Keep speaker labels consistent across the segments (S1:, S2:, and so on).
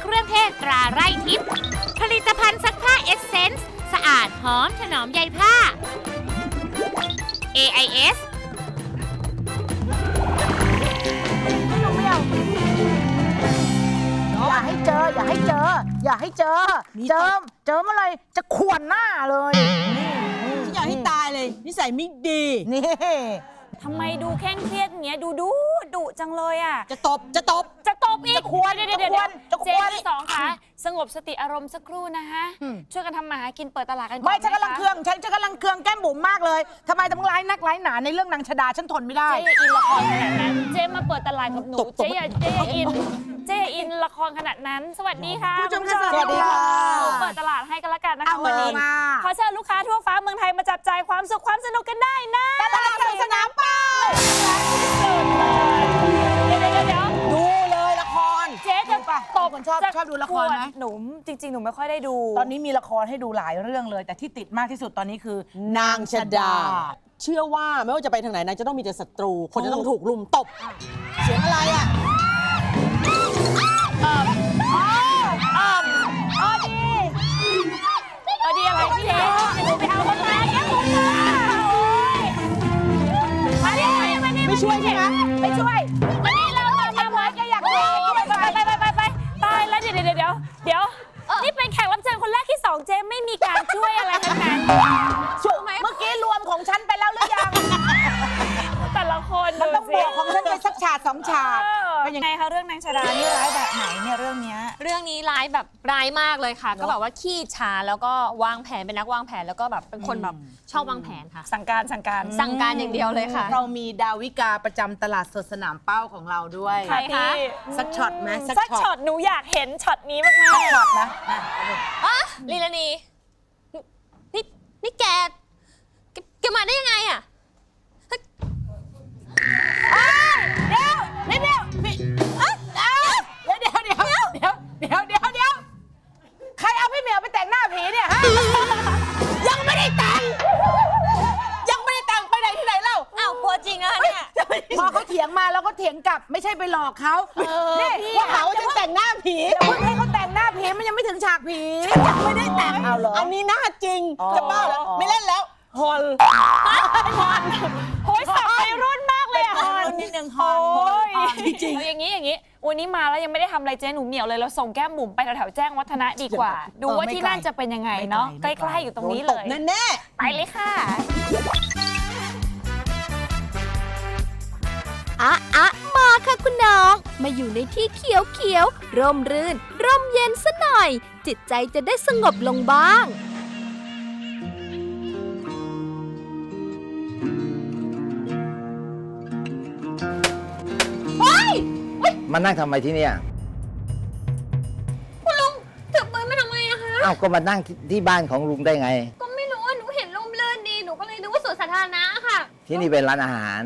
S1: เครื่องเทศตราไร่ทิพย์ผลิตภัณฑ์ซักผ้าเอสเซนส์สะอาดหอมถนอมใยผ้า AIS
S2: อย่าให้เจอ อย่าให้เจอ อย่าให้เจอ เจอเมื่อไรจะข่วนหน้าเลย
S3: ฉันอยากให้ตายเลยนิสัยไม่ดี
S2: นี่
S4: ทำไมดูเคร่งเครียดอย่างเงี้ยดุจังเลยอ่ะ
S3: จะตบ
S4: จะตบอีก
S2: จะควร
S4: เดี๋ยว
S2: จะควร
S4: เจ๊ที่สองค่ะสงบสติอารมณ์สักครู่นะฮะช่วยกันทำมาหากินเปิดตลาดกันก่อน
S2: ไม่ฉันกำลัง
S4: ะ
S2: เคืองฉันกำลังเคืองแก้มบุ๋มมากเลยทำไมต้องร้ายนักร้ายหนาในเรื่องนางชดาฉันทนไม่ได้
S4: เจ๊อย่าอินละครขนาดนั้นเจ๊มาเปิดตลาดกับหนู
S3: ตบ
S4: เจ๊อย่าอินละครขนาดนั้น สวัสดีค่ะ
S2: ผู้ชมค่ะ
S4: ณ
S2: สวัสดีค่ะ
S4: หนูเปิดตลาดให้กันละกันนะคะ
S2: เอา
S4: วันนี้
S2: มา
S4: ขอเชิญลูกค้าทั่วฟ้าเมืองไทยมาจับจ่ายความสุขความสนุกกันได้นะ
S2: ตลาดสนามเป้า
S4: เดี๋ยว
S3: ดูเลยละคร
S4: เจ๊จะตบ
S2: คนชอบดูละครไหม
S4: หนูจริงๆ หนูไม่ค่อยได้ดู
S2: ตอนนี้มีละครให้ดูหลายเรื่องเลย แต่ที่ติดมากที่สุดตอนนี้คือน
S3: างชดา เชื่อว่าไม่ว่าจะไปทางไหนนางจะต้องมีแต่ศัตรู คนจะต้องถูกลุมตบ เสียงอะไรอ่ะ
S4: ดีอะไรพี่เจ๊หนูไปเอาคนมาแก้ผมมาโอ๊ยมาดิมาดิ
S3: ไม่ช่วยใช่ไหม
S4: ไม่ช่วยมาดิเรามาแกอยากดูไปตายแล้วเดี๋ยวนี่เป็นแขกรับเชิญคนแรกที่สองเจ๊ไม่มีการช่วยอะไรทั้งนั้น
S2: เมื่อกี้รวมของฉันไปแล้วหรือยัง
S4: แต่ละคน
S2: มันต้องบวกของฉันไปสักฉากสองฉาก
S4: เป็นยังไงคะเรื่องนางชดานี่ร้ายแบบไหนเนี่ยเรื่องเนี้ย
S5: เรื่องนี้ร้ายแบบร้ายมากเลยค่ะ ก็แบบว่าขี้ฉาแล้วก็วางแผนเป็นนักวางแผนแล้วก็แบบเป็นคนแบบชอบวางแผนค่ะ
S4: สั่งการ
S5: สั่งการอย่างเดียวเลยค่ะ
S2: เรามีดาวิกาประจำตลาดสดสนามเป้าของเราด้วย
S4: ใครคะ
S2: สักช็อตไหม
S4: สักช็อตหนูอยากเห็นช็อตนี้มาก
S2: สักช็อตนะ
S5: อ่ะลีลานีนี่แกมาได้ยังไงอ่ะ
S2: เดี๋ยวใครเอาพี่เหมียวไปแต่งหน้าผีเนี่ยฮะ ยังไม่ได้แต่งไปไหนที่ไหนเล่า
S5: อ้าวกลัวจริงอะเนี่ย
S2: พอเขาเถียงมาเราก็เถียงกลับไม่ใช่ไปหลอกเขานี่
S3: ว่าเขาจะแต่งหน้าผี
S2: เพิ่งให้เขาแต่งหน้าผีมันยังไม่ถึงฉากผี
S3: ยังไม่ได้แต่ง
S2: เอาเหรอ
S3: อันนี้หน้าจริง จะบ้าแล้วไม่เล่นแล้วฮอล
S4: ๆโอ้ยสับไปรุ่นมากเลยอะ
S2: นิดนึงฮอน
S4: โอ้ย
S3: จริง
S4: เอาอย่างนี้วันนี้มาแล้วยังไม่ได้ทำอะไรเจ๊หนูเหมียวเลยเราส่งแก้มบุ๋มไปแถวๆแจ้งวัฒนะดีกว่า ดูว่าที่นั่นจะเป็นยังไงเนาะใกล้ๆอยู่ตรงนี้เลย
S3: แน่
S4: ไปเลยค่ะ
S6: มาค่ะคุณน้อง มาอยู่ในที่เขียวๆ ร่มรื่น ร่มเย็นซะหน่อย จิตใจจะได้สงบลงบ้าง
S7: มานั่งทำไมที่เนี่ย
S5: คุณลุงถือปืนมาทำไมอะคะ
S7: เอ้าก็มานั่งที่บ้านของลุงได้ไง
S5: ก็ไม่รู้ว่าหนูเห็นร่มรื่นดีหนูก็เลยนึกว่าสวนสาธารณะค่ะ
S7: ที่นี่เป็นร้านอาหาร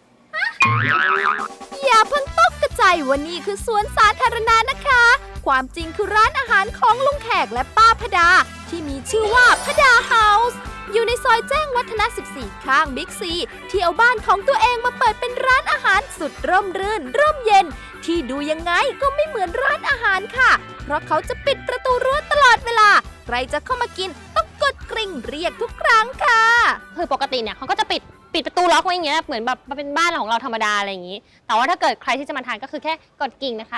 S6: อย่าเพิ่งตกกระใจว่านี่คือสวนสาธารณะนะคะ ความจริงคือร้านอาหารของลุงแขกและป้าพดา ที่มีชื่อว่าพดาเฮาส์อยู่ในซอยแจ้งวัฒนะ 14 ข้างบิ๊กซี ที่เอาบ้านของตัวเองมาเปิดเป็นร้านอาหารสุดร่มรื่น ร่มเย็น ที่ดูยังไงก็ไม่เหมือนร้านอาหารค่ะ เพราะเขาจะปิดประตูรั้วตลอดเวลา ใครจะเข้ามากินต้องกดกริ่งเรียกทุกครั้งค่ะ
S5: คือปกติเนี่ยเขาก็จะปิดประตูล็อกไว้อย่างเงี้ยเหมือนแบบมันเป็นบ้านของเราธรรมดาอะไรอย่างงี้ แต่ว่าถ้าเกิดใครที่จะมาทานก็คือแค่กดกิ่งนะคะ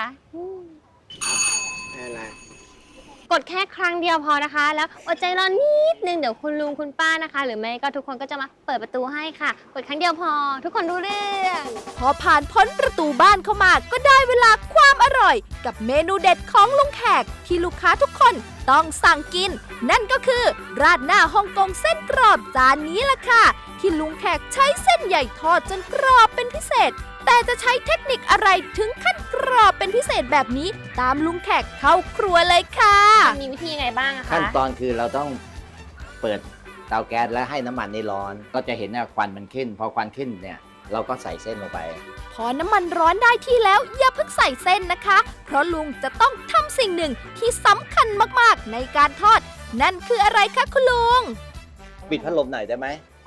S5: กดแค่ครั้งเดียวพอนะคะ แล้วอดใจรอนิดนึงเดี๋ยวคุณลุงคุณป้านะคะ หรือไม่ก็ทุกคนก็จะมาเปิดประตูให้ค่ะ กดครั้งเดียวพอ ทุกคนรู้เรื่อง
S6: พอผ่านพ้นประตูบ้านเข้ามาก็ได้เวลาความอร่อย กับเมนูเด็ดของลุงแขกที่ลูกค้าทุกคนต้องสั่งกิน นั่นก็คือราดหน้าฮ่องกงเส้นกรอบจานนี้ล่ะค่ะ ที่ลุงแขกใช้เส้นใหญ่ทอดจนกรอบเป็นพิเศษ แต่จะใช้เทคนิคอะไรถึงขั้นกรอบเป็นพิเศษแบบนี้ ตามลุงแขกเข้าครัวเลยค่ะ
S5: มีวิธียังไงบ้างอะคะ
S7: ขั้นตอนคือเราต้องเปิดเตาแก๊สแล้วให้น้ำมันนี่ร้อน ก็จะเห็นว่าควันมันขึ้น พอควันขึ้นเนี่ยเราก็ใส่เส้นลงไป
S6: พอน้ำมันร้อนได้ที่แล้วอย่าเพิ่งใส่เส้นนะคะ เพราะลุงจะต้องทำสิ่งหนึ่งที่สำคัญมากๆในการทอด นั่นคืออะไรคะคุณลุง
S7: ปิดพัดลมหน่อยได้ไหม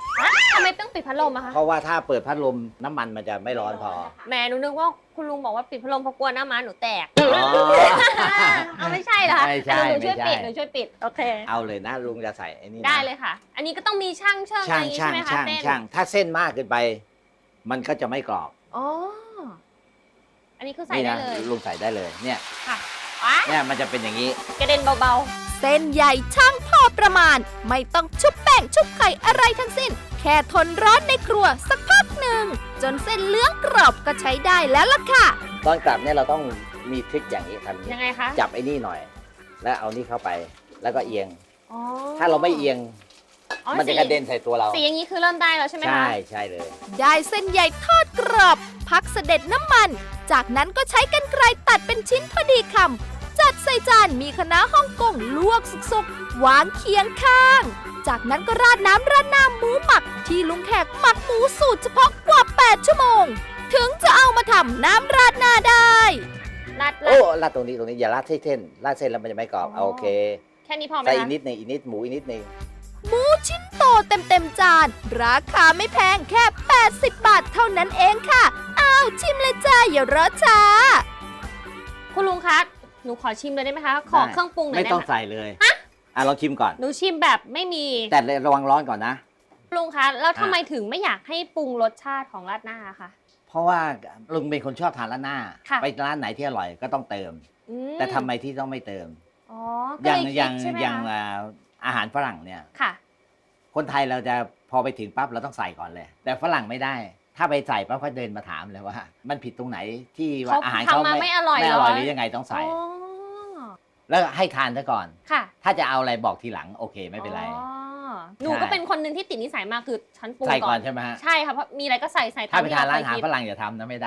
S5: ทำไมต้องปิดพัดลมอะคะ
S7: เพราะว่าถ้าเปิดพัดลมน้ำมันมันจะไม่ร้อนพอ
S5: แหมหนูนึกว่าคุณลุงบอกว่าปิดพัดลมเพราะกลัวหน้าม้าหนูแตก
S7: อ๋อ
S5: เอาไม่ใช่เหรอคะ
S7: ไม่ใช่
S5: หนูช่วย
S7: ไม่ใช่
S5: ปิดหนูช่วยปิดโอเค
S7: เอาเลยนะลุงจะใส่ไอ้นี่นะ
S5: ได้เลยค่ะ อันนี้ก็ต้องมีช่างเชิงอะไรอย่างงี้ใช่ไหมคะเส้น
S7: ช่างถ้าเส้นมากเกินไป มันก็จะไม่กรอบ
S5: อ๋ออันนี้คือใส่
S7: นี่
S5: ได้
S7: นะ
S5: เลย
S7: ลุงใส่ได้เลยเนี่ย
S5: ค่ะว้า
S7: เนี่ยมันจะเป็นอย่างนี้
S5: กระเด็นเบา
S6: เส้นใหญ่ช่างพอประมาณ ไม่ต้องชุบแป้งชุบไข่อะไรทั้งสิ้น แค่ทนร้อนในครัวสักพักหนึ่ง จนเส้นเหลืองกรอบก็ใช้ได้แล้วล่ะค่ะ
S7: ตอนกลับเนี่ยเราต้องมีทริคอย่างนี้ทำอย่าง
S5: ๆ
S7: นี้
S5: ยังไงคะ
S7: จับไอ้นี่หน่อย แล้วเอานี่เข้าไปแล้วก็เอียง
S5: อ๋อ
S7: ถ้าเราไม่เอียง
S5: อ๋อ
S7: มันจะกระเด็นใส่ตัวเรา
S5: สีอย่างนี้คือเริ่มได้แล้วใช่ไหมคะ
S7: ใช่ใช่เลย
S6: ได้เส้นใหญ่ทอดกรอบ พักเสด็จน้ำมัน จากนั้นก็ใช้กรรไกรตัดเป็นชิ้นพอดีคำจัดใส่จานมีคะน้าฮ่องกงลวกสุกๆวางเคียงข้าง จากนั้นก็ราดน้ำราดหน้าหมูหมัก ที่ลุงแขกหมักหมูสูตรเฉพาะกว่า 8 ชั่วโมง ถึงจะเอามาทำน้ำราดหน้าได้
S5: รัด
S7: โอ้ราดตรงนี้อย่าราดเส้นราดเส้นแล้วมันจะไม่กรอบเอาโอเค
S5: แค่นี้พอไหม
S7: ใส่อี
S5: คะ
S7: กนิดหนึงอีกนิดหมูอีกนิดหนึง
S6: หมูชิ้นโตเต็มๆจาน ราคาไม่แพงแค่ 80 บาทเท่านั้นเองค่ะ อ้าวชิมเลยจ้าอย่ารอช้า
S5: คุณลุงคะหนูขอชิมเลยได้ไหมคะ ขอเครื่องปรุงหน่อย
S7: ไม่
S5: ได้
S7: ต้อง
S5: ไหม
S7: ใส่เลยลองชิมก่อน
S5: หนูชิมแบบไม่มี
S7: แต่ระวังร้อนก่อนนะ
S5: คุณลุงคะแล้วทำไมถึงไม่อยากให้ปรุงรสชาติของราดหน้าคะ
S7: เพราะว่าลุงเป็นคนชอบทานร้านหน้า
S5: ค่ะ
S7: ไปร้านไหนที่อร่อยก็ต้องเติม
S5: อืม
S7: แต่ทำไมที่ต้องไม่เติม
S5: อ๋อ
S7: อ
S5: ก็
S7: ย่าง
S5: เลย
S7: อย่า
S5: คิ
S7: ง
S5: ดใช่ไหม
S7: อย่าง
S5: คะ
S7: อาหารฝรั่งเนี่ย
S5: ค่ะ
S7: คนไทยเราจะพอไปถึงปั๊บเราต้องใส่ก่อนเลย แต่ฝรั่งไม่ได้ ถ้าไปใส่ปั๊บเขาเดินมาถามเลยว่า มันผิดตรงไหนที่ว่าอาหารเขา
S5: ทำมาไม่อร่อย
S7: ไม่
S5: เห
S7: อ
S5: ร
S7: ร่
S5: อ
S7: อยหรือยังไงต้องใส่
S5: อ๋อ
S7: แล้วให้ทานซะก่อน
S5: ค่ะ
S7: ถ้าจะเอาอะไรบอกทีหลังโอเคไม่เป็นไร
S5: อ๋อหนูก็เป็นคนหนึ่งที่ติดนิสัยมากคือฉันปรุง
S7: ใส่
S5: ก่
S7: ก่
S5: อ
S7: อน นใช่ไหมฮะ
S5: ใช่ค่ะเพราะมีอะไรก็ใส่ตา
S7: ถ้าม ไปทานร้านอาหาร
S5: ที่
S7: ฝ
S5: เคิด
S7: รั่งอย่าทำนะไม่ได้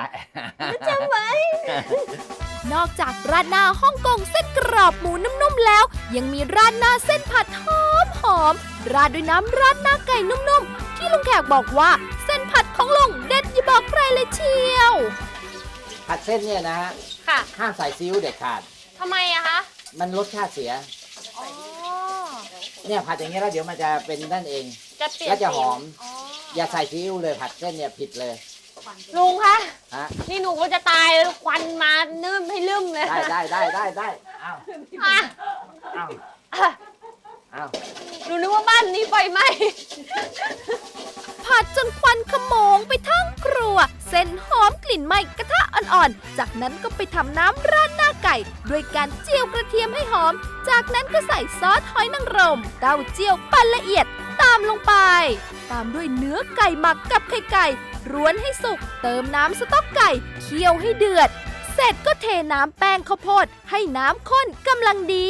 S6: นอกจากราดหน้าฮ่องกงเส้นกรอบหมูนุ่มๆแล้ว ยังมีราดหน้าเส้นผัดหอมๆราดด้วยน้ำราดหน้าไก่นุ่มๆ ที่ลุงแขกบอกว่าเส้นผัดของลุงเด็ดอย่าบอกใครเลยเชียว
S7: ผัดเส้นเนี่ยนะฮะ
S5: ค่ะ
S7: ห้ามใส่ซีอิ๊วเด็ดขาด
S5: ทำไมอะคะ
S7: มันรสชาติเสีย
S5: อ๋อ
S7: เนี่ยผัดอย่างเงี้ยแล้วเดี๋ยวมันจะเป็นนั่นเอง
S5: จะเปลี่ยน
S7: แล้วจะหอม
S5: อ๋อ
S7: อย่าใส่ซีอิ๊วเลยผัดเส้นเนี่ยผิดเลย
S5: ลุงคะ
S7: ฮะ
S5: นี่หนูก็จะตายแล้วควันมานึ่มให้ลืมเลย
S7: ได้อ้าว
S5: อ่ะ
S7: อ้าว
S5: อ่ะ
S7: อ้าว
S5: หนูนึกว่าบ้านนี้ไฟไหม้
S6: ผัดจนควันขโมงไปทั้งครัว เส้นหอมกลิ่นไหม้กระทะอ่อนๆ จากนั้นก็ไปทำน้ำราดหน้าไก่ ด้วยการเจียวกระเทียมให้หอม จากนั้นก็ใส่ซอสหอยนางรมเต้าเจี้ยวปั่นละเอียดตามลงไป ตามด้วยเนื้อไก่หมักกับไข่ไก่ร้วนให้สุก เติมน้ำสต๊อกไก่เคี่ยวให้เดือด เสร็จก็เทน้ำแป้งข้าวโพดให้น้ำข้นกำลังดี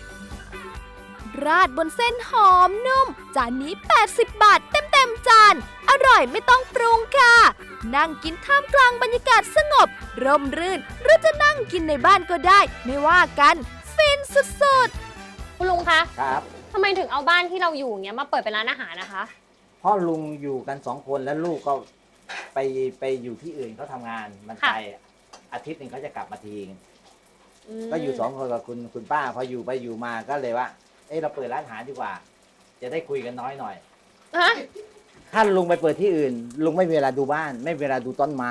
S6: ราดบนเส้นหอมนุ่ม จานนี้ 80 บาทเต็มๆจาน อร่อยไม่ต้องปรุงค่ะ นั่งกินท่ามกลางบรรยากาศสงบ ร่มรื่น หรือจะนั่งกินในบ้านก็ได้ ไม่ว่ากัน ฟินสุดๆ
S5: คุณลุงคะ
S7: ครับ
S5: ทำไมถึงเอาบ้านที่เราอยู่อย่างเงี้ยมาเปิดเป็นร้านอาหารนะคะ
S7: พ่อลุงอยู่กัน2 คนแล้วลูกก็ไปอยู่ที่อื่นเขาทำงานมัน
S5: ค่ะ
S7: ไปอาทิตย์หนึ่งเขาจะกลับมาที
S5: ม
S7: ก็อยู่2 คนกับคุณป้าพออยู่ไปอยู่มาก็เลยว่า เอ้เราเปิดร้านอาหารดีกว่า จะได้คุยกันน้อยหน่อย
S5: ฮะ
S7: ถ้าลุงไปเปิดที่อื่น ลุงไม่มีเวลาดูบ้าน ไม่มีเวลาดูต้นไม้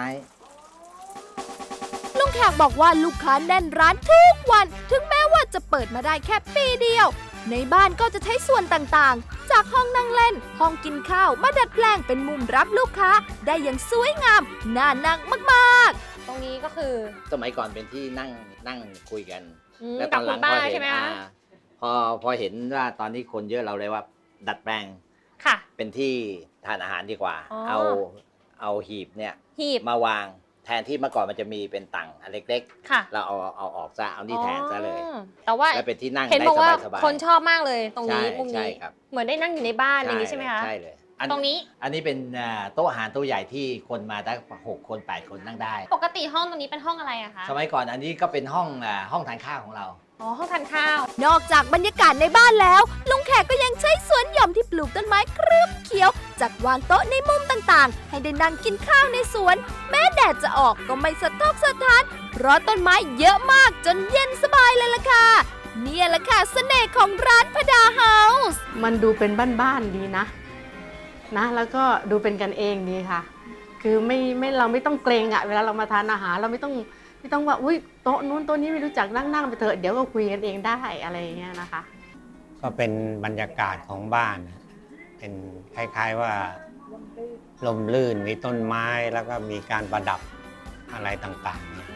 S6: ลุงแขกบอกว่าลูกค้าแน่นร้านทุกวัน ถึงแม้ว่าจะเปิดมาได้แค่ปีเดียว ในบ้านก็จะใช้ส่วนต่างๆ จากห้องนั่งเล่น ห้องกินข้าวมาดัดแปลงเป็นมุมรับลูกค้า ได้อย่างสวยงาม น่านั่งมาก
S5: ตรงนี้ก็คือ
S7: สมัยก่อนเป็นที่นั่งคุยกัน
S5: อืม
S7: แล้วต
S5: กั
S7: อบ นห
S5: คุ
S7: ลั
S5: ณ
S7: ง
S5: ป้า
S7: พอเห็
S5: ใช่
S7: น
S5: ไหมคะ
S7: พอเห็นว่าตอนนี้คนเยอะเราเลยว่า ดัดแปลง
S5: ค่ะ
S7: เป็นที่ทานอาหารดีกว่า
S5: อ๋อ
S7: เอาหีบเนี่ย
S5: หีบ
S7: มาวางแทนที่เมื่อก่อนมันจะมีเป็นตังอันเล็ก
S5: ค่ะ
S7: ๆ เราเอาออกซะเอานี่แทนซะเลย
S5: อ๋อแต่ว่า
S7: แล้วเป็นที่นั่ง
S5: เห็น
S7: ได้
S5: บอกว่า
S7: สบายๆ
S5: คนชอบมากเลยตรงนี้
S7: ใช่
S5: มุม
S7: ใช่
S5: นี้
S7: ครับ
S5: เหมือนได้นั่งอยู่ในบ้านอะไรอย่างนี้ใช่ไหมคะ
S7: ใช่เลย
S5: ตรงนี้
S7: อันนี้เป็นโต๊ะอาหารโต๊ะใหญ่ที่คนมาได้6 คน 8 คนนั่งได้
S5: ปกติห้องตรงนี้เป็นห้องอะไรอะคะ
S7: สมัยก่อนอันนี้ก็เป็นห้องทานข้าวของเรา
S5: อ๋อห้องทานข้าว
S6: ๆ นอกจากบรรยากาศในบ้านแล้ว ลุงแขกก็ยังใช้สวนหย่อมที่ปลูกต้นไม้ครึ้มเขียว จัดวางโต๊ะในมุมต่างๆ ให้ได้นั่งกินข้าวในสวน แม้แดดจะออกก็ไม่สะทกสะท้าน เพราะต้นไม้เยอะมากจนเย็นสบายเลยล่ะค่ะ เนี่ยแหละค่ะเสน่ห์ของร้านพดาเฮาส์
S2: มันดูเป็นบ้านๆดีนะ
S8: นะแล้วก็ดูเป็นกันเองดีค่ะ คือเราไม่ต้องเกรงอะเวลาเรามาทานอาหารเราไม่ต้องว่าอุ้ยโต๊ะนู้นโต๊ะนี้ไม่รู้จักนั่งไปเถอะเดี๋ยวก็คุยกันเองได้อะไรอย่างเงี้ยนะคะ
S9: ก็เป็นบรรยากาศของบ้าน เป็นคล้ายๆว่าลมลื่นมีต้นไม้แล้วก็มีการประดับอะไรต่างๆเนี่ย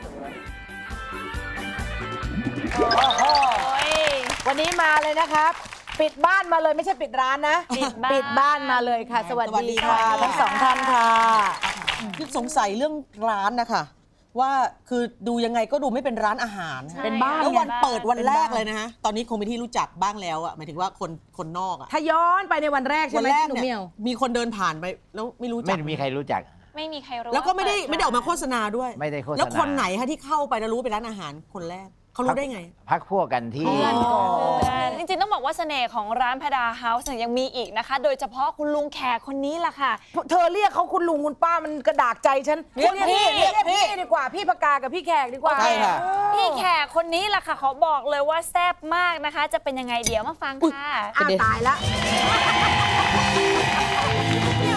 S2: วันนี้มาเลยนะครับ ปิดบ้านมาเลยไม่ใช่ปิดร้านนะ ปิดบ้านมาเลยค่ะ สวัสดีค่ะทั้งสองท่านค่ะ
S3: คือสงสัยเรื่องร้านนะคะว่าคือดูยังไงก็ดูไม่เป็นร้านอาหาร
S2: เป็นบ้าน
S3: แล้ววัน
S2: ไง
S3: เปิดวันแรกเลยนะฮะตอนนี้คงเป็นที่รู้จักบ้างแล้วอะหมายถึงว่าคนนอกอะ
S2: ถ้าย้อนไปในวันแรกใช่
S3: วัน
S2: ไหม
S3: แรก
S2: ที่หนู
S3: เนี่
S2: เมี
S3: ย
S2: ยว
S3: มีคนเดินผ่านไปแล้วไม่รู้จั
S7: ไม่
S3: ก
S7: มีใครรู้จัก
S4: ไม่มีใครรู้
S3: แล้วก็ไม่ได้
S4: าเปิ
S3: ออกมาโฆษณาด้วย
S7: ไม่ได้โฆษณา
S3: แล้วคนไหนคะที่เข้าไปแล้วรู้ว่าเป็นร้านอาหารคนแรกเขารู้ได้ไง
S7: พักพวกกันที่
S2: เพื่อนก่อน
S4: จริงๆต้องบอกว่าเสน่ห์ของร้านพดาเฮาส์เนี่ยยังมีอีกนะคะ โดยเฉพาะคุณลุงแขกคนนี้ล่ะค่ะ
S2: เธอเรียกเขาคุณลุงคุณป้ามันกระดากใจฉัน
S3: เรียกพี่
S2: เรียกพี่ดีกว่าพี่ปากกากับพี่แขกดีกว่า
S3: ใช่ค่ะ
S4: พี่แขกคนนี้ล่ะค่ะขอบอกเลยว่าแซ่บมากนะคะ จะเป็นยังไงเดี๋ยวมาฟังค่ะ
S2: อ้าวตายละ
S4: พี่